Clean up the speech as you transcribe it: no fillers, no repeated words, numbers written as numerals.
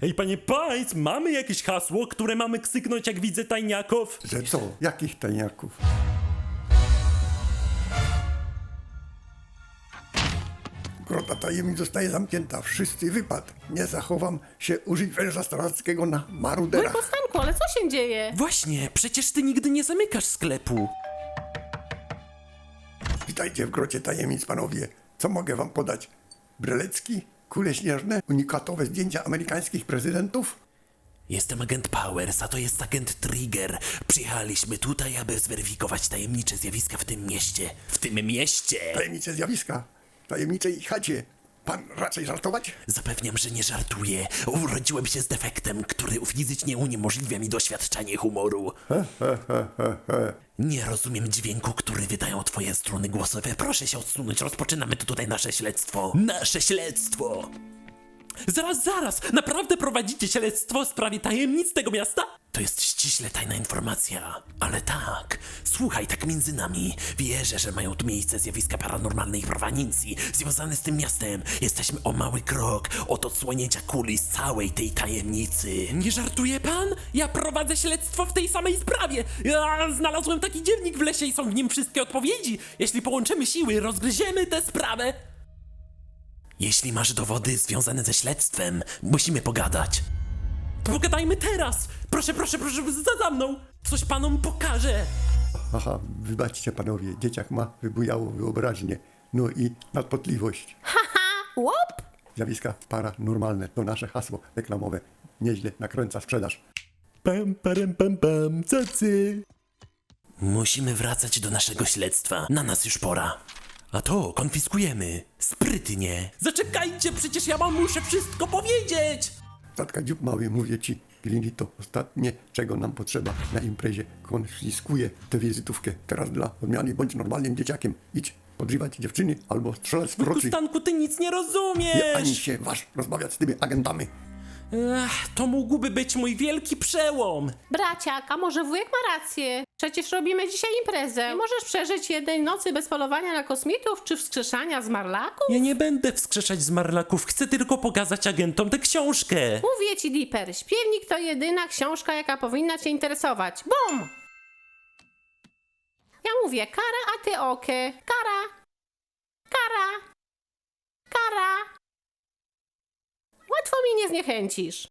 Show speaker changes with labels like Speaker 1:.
Speaker 1: Ej, panie Pajc, mamy jakieś hasło, które mamy ksyknąć, jak widzę tajniaków?
Speaker 2: Że co? Jakich tajniaków? Grota tajemnic zostaje zamknięta. Wszyscy wypad. Nie zachowam się użyć węża starackiego na maruderach.
Speaker 3: Stanku, ale co się dzieje?
Speaker 1: Właśnie, przecież ty nigdy nie zamykasz sklepu.
Speaker 2: Witajcie w grocie tajemnic, panowie. Co mogę wam podać? Brelecki? Kule śnieżne? Unikatowe zdjęcia amerykańskich prezydentów?
Speaker 1: Jestem agent Powers, a to jest agent Trigger. Przyjechaliśmy tutaj, aby zweryfikować tajemnicze zjawiska w tym mieście. W tym mieście!
Speaker 2: Tajemnicze zjawiska? Tajemniczej chacie. Pan raczej żartować?
Speaker 1: Zapewniam, że nie żartuję. Urodziłem się z defektem, który fizycznie uniemożliwia mi doświadczanie humoru. Nie rozumiem dźwięku, który wydają twoje struny głosowe. Proszę się odsunąć, rozpoczynamy tutaj nasze śledztwo. Nasze śledztwo! Zaraz! Naprawdę prowadzicie śledztwo w sprawie tajemnic tego miasta? To jest ściśle tajna informacja. Ale tak, słuchaj, tak między nami. Wierzę, że mają tu miejsce zjawiska paranormalnej proweniencji związane z tym miastem. Jesteśmy o mały krok od odsłonięcia kuli z całej tej tajemnicy. Nie żartuje pan? Ja prowadzę śledztwo w tej samej sprawie. Ja znalazłem taki dziennik w lesie i są w nim wszystkie odpowiedzi. Jeśli połączymy siły, rozgryziemy tę sprawę. Jeśli masz dowody związane ze śledztwem, musimy pogadać. Pogadajmy teraz! Proszę, za mną! Coś panom pokażę!
Speaker 2: Aha, wybaczcie panowie, dzieciak ma wybujałą wyobraźnię. No i nadpotliwość.
Speaker 3: Łop!
Speaker 2: Zjawiska paranormalne to nasze hasło reklamowe. Nieźle nakręca sprzedaż.
Speaker 1: Pam, cacy! Musimy wracać do naszego śledztwa. Na nas już pora. A to konfiskujemy. Sprytnie. Zaczekajcie, przecież ja wam muszę wszystko powiedzieć!
Speaker 2: Tatka dziób mały, mówię ci, Glini, to ostatnie, czego nam potrzeba na imprezie. Konfiskuję tę wizytówkę. Teraz dla odmiany bądź normalnym dzieciakiem. Idź podrywać dziewczyny albo strzelać z procy.
Speaker 1: Stanku, ty nic nie rozumiesz!
Speaker 2: Nie ani się waż rozmawiać z tymi agentami.
Speaker 1: To mógłby być mój wielki przełom.
Speaker 3: Braciak, a może wujek ma rację? Przecież robimy dzisiaj imprezę. Nie możesz przeżyć jednej nocy bez polowania na kosmitów czy wskrzeszania zmarlaków?
Speaker 1: Ja nie będę wskrzeszać zmarlaków, chcę tylko pokazać agentom tę książkę.
Speaker 3: Mówię ci, Dipper, śpiewnik to jedyna książka, jaka powinna cię interesować. Bum! Ja mówię kara, a ty oke. Kara. Kara. Kara. Łatwo mi nie zniechęcisz.